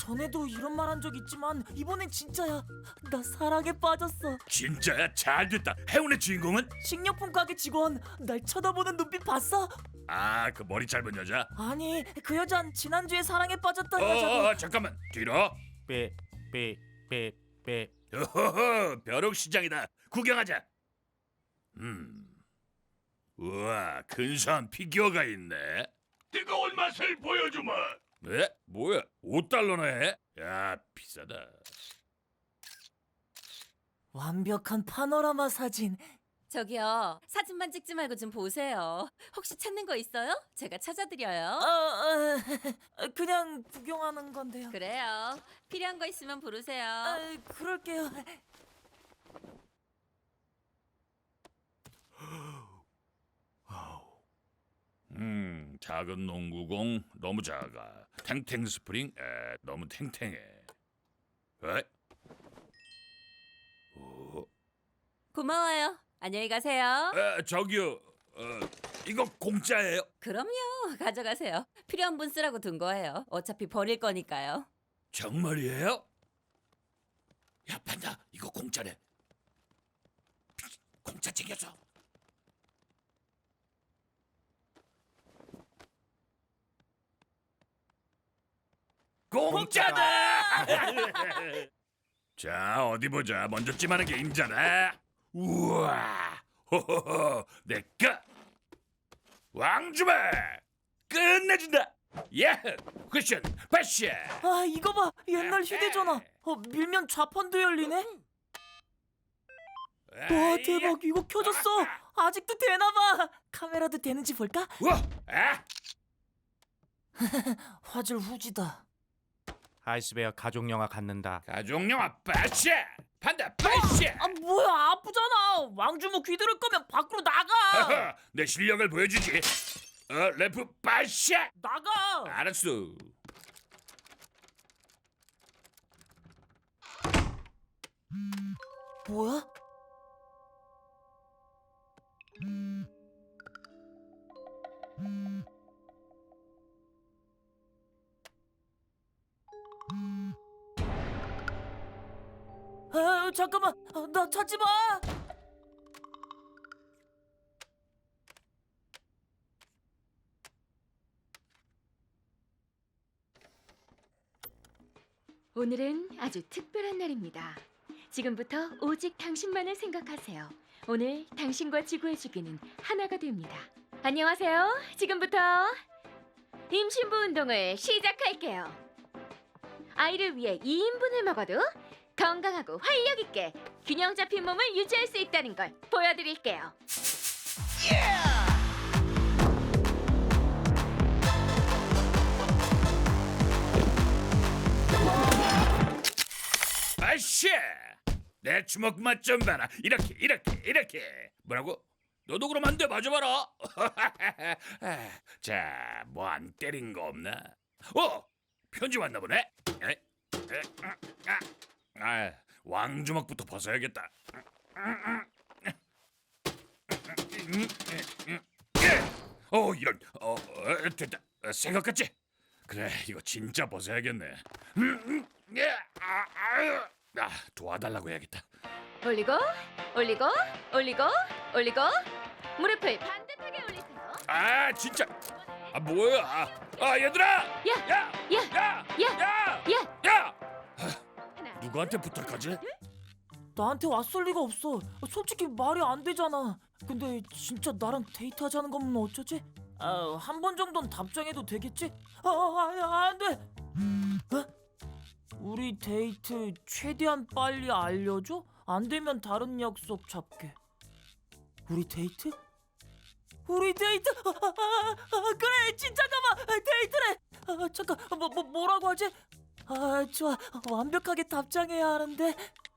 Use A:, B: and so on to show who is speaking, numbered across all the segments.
A: 전에도 이런 말 한 적 있지만 이번엔 진짜야. 나 사랑에 빠졌어.
B: 진짜야? 잘됐다. 행운의 주인공은?
A: 식료품 가게 직원. 날 쳐다보는 눈빛 봤어?
B: 아, 그 머리 짧은 여자?
A: 아니, 그 여잔 지난주에 사랑에 빠졌던 여자고.
B: 잠깐만. 뒤로.
C: 빼.
B: 어허허, 벼룩시장이다. 구경하자. 우와, 근사한 피규어가 있네. 뜨거운 맛을 보여주마. 네? 뭐야? 5달러나 해? 야, 비싸다.
A: 완벽한 파노라마 사진.
D: 저기요, 사진만 찍지 말고 좀 보세요. 혹시 찾는 거 있어요? 제가 찾아드려요.
A: 그냥 구경하는 건데요.
D: 그래요. 필요한 거 있으면 부르세요.
A: 그럴게요.
B: 작은 농구공 너무 작아. 탱탱 스프링 너무 탱탱해. 에?
D: 고마워요. 안녕히 가세요.
B: 저기요. 이거 공짜예요?
D: 그럼요. 가져가세요. 필요한 분 쓰라고 둔 거예요. 어차피 버릴 거니까요.
B: 정말이에요? 야, 판다. 이거 공짜래. 공짜 챙겨줘. 공짜다! 자, 어디 보자. 먼저 찜하는 게 임자다. 우와, 호호호, 내꺼. 왕주마 끝내준다. 예, 쿠션, 패션.
A: 아, 이거 봐. 옛날 휴대전화. 밀면 좌판도 열리네. 와, 대박. 이거 켜졌어. 아직도 되나 봐. 카메라도 되는지 볼까?
B: 우와,
A: 화질 후지다.
C: 아이스베어 가족 영화 갖는다.
B: 가족영화 패션. 판다 패션.
A: 아, 뭐야. 아프잖아. 왕주모 귀들을 거면 밖으로 나가.
B: 내 실력을 보여주지. 래프 패션.
A: 나가.
B: 알았어.
A: 뭐야? 잠깐만. 나 찾지 마.
E: 오늘은 아주 특별한 날입니다. 지금부터 오직 당신만을 생각하세요. 오늘 당신과 지구의 주기는 하나가 됩니다. 안녕하세요. 지금부터 임신부 운동을 시작할게요. 아이를 위해 2인분을 먹어도 건강하고 활력 있게 균형 잡힌 몸을 유지할 수 있다는 걸 보여드릴게요.
B: 패션. 내 주먹 맛 좀 봐라. 이렇게. 뭐라고? 너도 그럼 안 돼. 맞아봐라. 자, 뭐 안 때린 거 없나? 편지 왔나 보네. 왕주먹부터 벗어야겠다. 이런. 됐다. 생각 같지? 그래, 이거 진짜 벗어야겠네. 도와달라고 해야겠다.
E: 올리고 무릎을 반듯하게 올리세요.
B: 진짜. 뭐야? 얘들아. 야.
E: 하나,
B: 누구한테 부탁하지?
A: 나한테 왔을 리가 없어. 솔직히 말이 안 되잖아. 근데 진짜 나랑 데이트하자는 거면 어쩌지? 한 번 정도는 답장해도 되겠지? 안 돼. 우리 데이트 최대한 빨리 알려줘? 안 되면 다른 약속 잡게. 우리 데이트? 그래, 진짜가 봐. 데이트래. 잠깐, 뭐라고 하지? 좋아. 완벽하게 답장해야 하는데.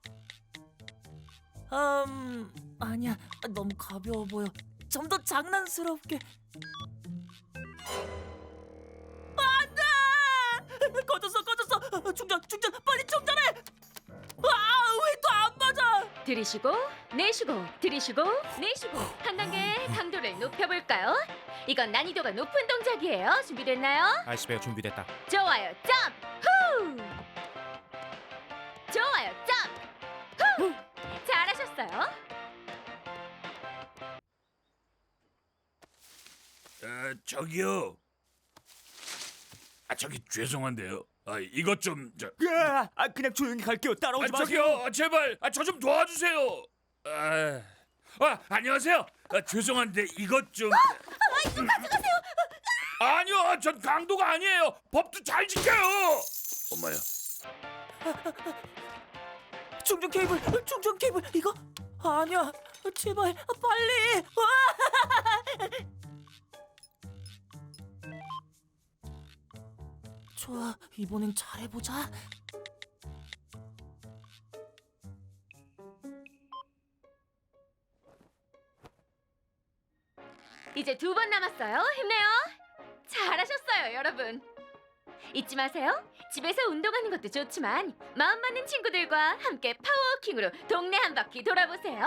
A: 아니야. 너무 가벼워 보여. 좀 더 장난스럽게. 안 돼! 꺼졌어. 충전. 빨리 충전해. 왜 또 안 맞아?
E: 들이쉬고 내쉬고 들이쉬고 내쉬고 한 단계 강도를 높여볼까요? 이건 난이도가 높은 동작이에요. 준비됐나요?
C: 아이스베어 준비됐다.
E: 좋아요. 점프! 남았어요.
B: 저기요. 저기 죄송한데요. 이것 좀
C: 그냥 조용히 갈게요. 따라오지
B: 저기요, 제발 저 좀 도와주세요. 안녕하세요. 죄송한데 이것 좀.
D: 이거 가져가세요.
B: 아니요, 전 강도가 아니에요. 법도 잘 지켜요. 엄마야.
A: 충전 케이블 이거 아니야. 제발 빨리. 좋아, 이번엔 잘해보자.
E: 이제 2번 남았어요. 힘내요. 잘하셨어요, 여러분. 잊지 마세요. 집에서 운동하는 것도 좋지만 마음 맞는 친구들과 함께 파워워킹으로 동네 한 바퀴 돌아보세요.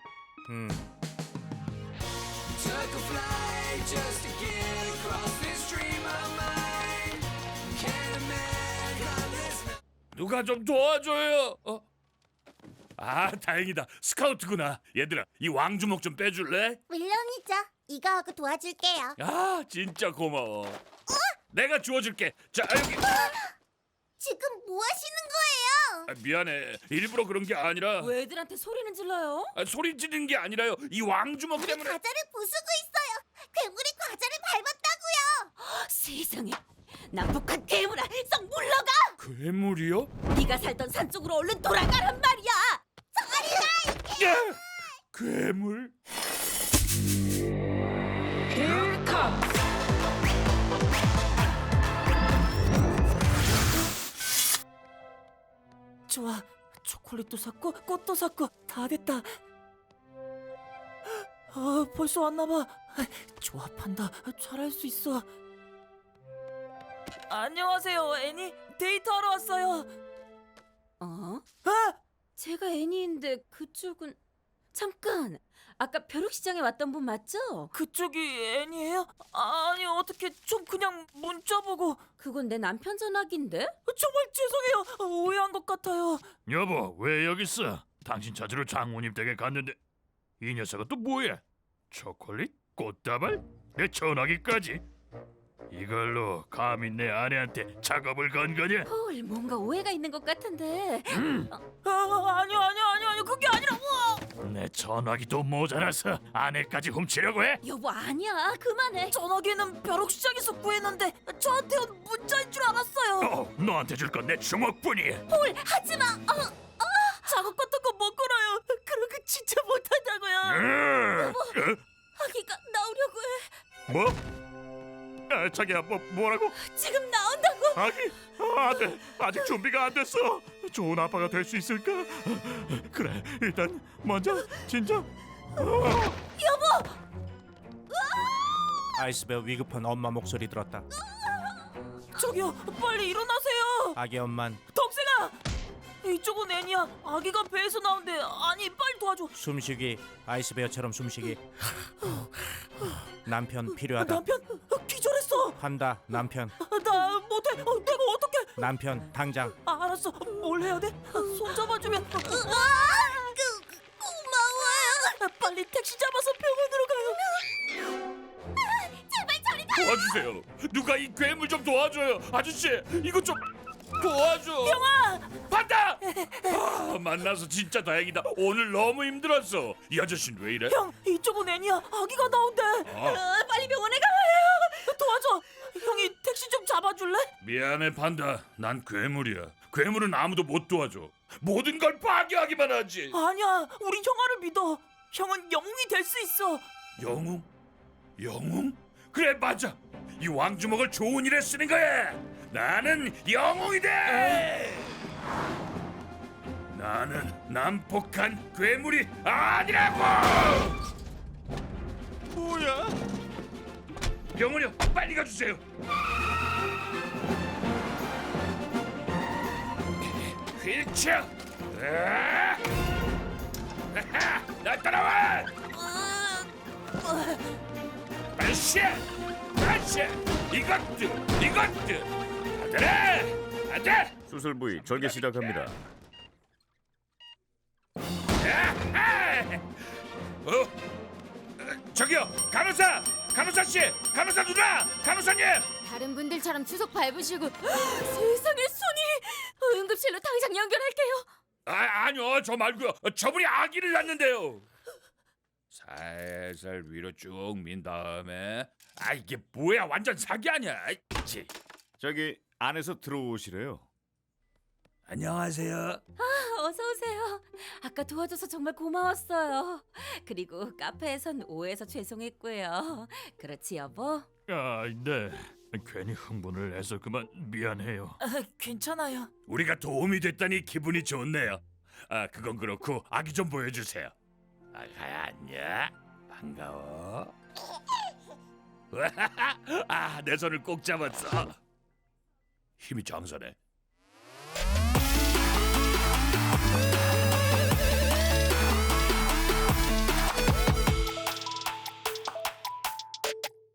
F: Took a flight just to get across this dream of mine. Can't imagine this.
B: 누가 좀 도와줘요. 다행이다. 스카우트구나. 얘들아, 이 왕주먹 좀 빼줄래?
G: 물론이죠. 이거 하고 도와줄게요.
B: 진짜 고마워. 내가 주워줄게. 자, 여기.
G: 지금 뭐 하시는 거예요?
B: 미안해. 일부러 그런 게 아니라.
D: 왜 애들한테 소리는 질러요?
B: 소리 지르는 게 아니라요. 이 왕주먹 때문에.
G: 과자를 부수고 있어요. 괴물이 과자를 밟았다고요.
D: 세상에. 남북한 괴물아, 썩 물러가!
B: 괴물이요?
D: 네가 살던 산 쪽으로 얼른 돌아가란 말이야.
B: 야! 괴물?
A: 좋아, 초콜릿도 샀고 꽃도 샀고 다 됐다. 벌써 왔나봐. 좋아, 판다. 잘할 수 있어. 안녕하세요, 애니. 데이트하러 왔어요.
D: 어?
A: 아!
D: 제가 애니인데 그쪽은 잠깐. 아까 벼룩시장에 왔던 분 맞죠?
A: 그쪽이 애니예요? 아니, 어떻게 좀 그냥 문자 보고.
D: 그건 내 남편 전화기인데?
A: 정말 죄송해요. 오해한 것 같아요.
B: 여보, 왜 여기 있어? 당신 찾으러 장모님 댁에 갔는데 이 녀석은 또 뭐야? 초콜릿? 꽃다발? 내 전화기까지? 이걸로 감히 내 아내한테 작업을 건 거냐?
D: 헐, 뭔가 오해가 있는 것 같은데.
A: 아니요. 그게 아니라.
B: 내 전화기도 모자라서 아내까지 훔치려고 해?
D: 여보, 아니야. 그만해.
A: 전화기는 벼룩시장에서 구했는데 저한테 온 문자인 줄 알았어요.
B: 너한테 줄 건 내 주먹뿐이야.
D: 헐, 하지 마.
A: 작업 같은 거 못 걸어요. 그런 거 진짜 못한다고요.
D: 아기가 나오려고 해.
B: 뭐? 자기야, 뭐라고?
D: 지금 나온다고.
B: 아기? 안 돼. 아직 준비가 안 됐어. 좋은 아빠가 될 수 있을까? 그래, 일단 먼저 진정.
C: 아이스베어 위급한 엄마 목소리 들었다.
A: 저기요, 빨리 일어나세요.
C: 아기 엄만
A: 동생아, 이쪽은 애니야. 아기가 배에서 나온대. 아니, 빨리 도와줘.
C: 숨쉬기. 아이스베어처럼 숨쉬기. 남편 필요하다.
A: 남편 기절했어.
C: 판다. 남편.
A: 나 못해. 내가 어떡해.
C: 남편 당장.
A: 알았어. 뭘 해야 돼? 손 잡아주면.
G: 고마워요.
A: 빨리 택시 잡아서 병원으로 가요.
G: 제발 저리 가.
B: 도와주세요. 누가 이 괴물 좀 도와줘요. 아저씨, 이거 좀 도와줘.
A: 형아,
B: 봤다. 만나서 진짜 다행이다. 오늘 너무 힘들었어. 이 아저씨는 왜 이래?
A: 형, 이쪽은 애니야. 아기가 나온대.
D: 빨리 병원에 가요.
A: 도와줘. 형이 택시 좀 잡아줄래?
B: 미안해, 판다. 난 괴물이야. 괴물은 아무도 못 도와줘. 모든 걸 파괴하기만 하지.
A: 아니야, 우리 형아를 믿어. 형은 영웅이 될 수 있어.
B: 영웅? 영웅? 그래, 맞아. 이 왕주먹을 좋은 일에 쓰는 거야. 나는 영웅이 돼. 나는 난폭한 괴물이 아니라고.
C: 뭐야?
B: 병원이요, 빨리 가주세요. 휠체어. 나 따라와. 빨리 이것도 아들아, 아들.
H: 수술 부위 절개 시작합니다.
B: 저기요, 간호사 씨, 간호사 누나, 간호사님.
H: 다른 분들처럼 주석 밟으시고 세상에 손이 응급실로 당장 연결할게요.
B: 아니요, 저 말고요. 저분이 아기를 낳는데요. 살살 위로 쭉 민 다음에 이게 뭐야, 완전 사기 아니야. 치.
I: 저기 안에서 들어오시래요.
B: 안녕하세요.
D: 어서 오세요. 아까 도와줘서 정말 고마웠어요. 그리고 카페에선 오해해서 죄송했고요. 그렇지 여보?
B: 네. 괜히 흥분을 해서 그만 미안해요.
A: 괜찮아요.
B: 우리가 도움이 됐다니 기분이 좋네요. 그건 그렇고 아기 좀 보여주세요. 아가야, 안녕. 반가워. 내 손을 꼭 잡았어. 힘이 장사네.